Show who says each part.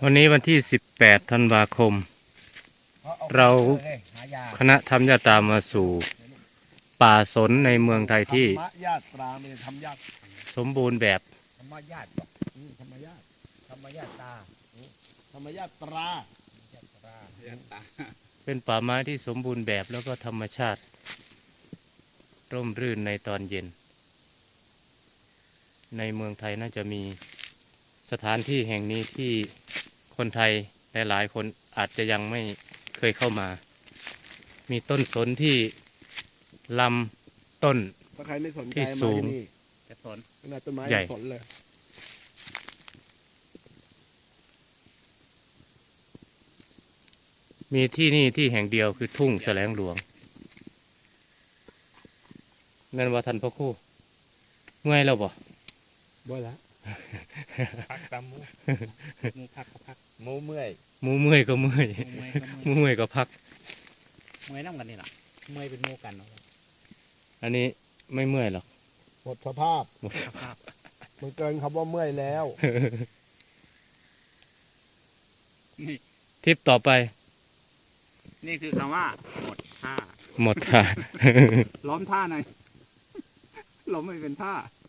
Speaker 1: วันนี้วันที่18ธันวาคมเราคณะธรรมญาตรามาสู่ป่าสนในเมืองไทยที่
Speaker 2: ธรรมญาตราไม่ใช่ธรรมญาติ
Speaker 1: สมบูรณ์แบบ
Speaker 2: ธรรมญาติธรรมญาติธรรมญาตราธรรมญาตรา
Speaker 1: เป็นป่าไม้ที่สมบูรณ์แบบแล้วก็ธรรมชาติร่มรื่นในตอนเย็นในเมืองไทยน่าจะมีสถานที่แห่งนี้ที่คนไทยหลายๆคนอาจจะยังไม่เคยเข้ามา มีต้นสนที่ลำต้น
Speaker 2: ถ้าใครไม่สนใจ
Speaker 1: ที่
Speaker 2: มา
Speaker 1: สูง
Speaker 2: ที่นี่
Speaker 3: จะสน
Speaker 2: ขนาดต้นไม้
Speaker 1: ใหญ่
Speaker 2: ยังสนเลย
Speaker 1: มีที่นี่ที่แห่งเดียวคือทุ่งแสลงหลวงแม่นว่าท่านพ่อครู่เมื่อยแล้วบ่
Speaker 2: บ่ละ
Speaker 3: พักตามมูพักก็พัก
Speaker 2: หมูเมื่อย
Speaker 1: หมูเมื่อยก็เมื่อย
Speaker 3: เมื่อยก็
Speaker 1: หมูเมื่อยก็พัก
Speaker 3: เมื่อยน้ำกันนี่แหละเมื่อยเป็นโมกันเนาะ
Speaker 1: อันนี้ไม่เมื่อยหรอก
Speaker 2: หมดสภาพ
Speaker 3: สภาพ
Speaker 2: มันเกินคำว่าเมื่อยแล้ว
Speaker 3: นี่
Speaker 1: ทริปต่อไป
Speaker 3: นี่คือคำว่าหมดท่า
Speaker 1: หมดท่า
Speaker 3: ล้อมท่าหน่อยล้มไม่เป็นท่า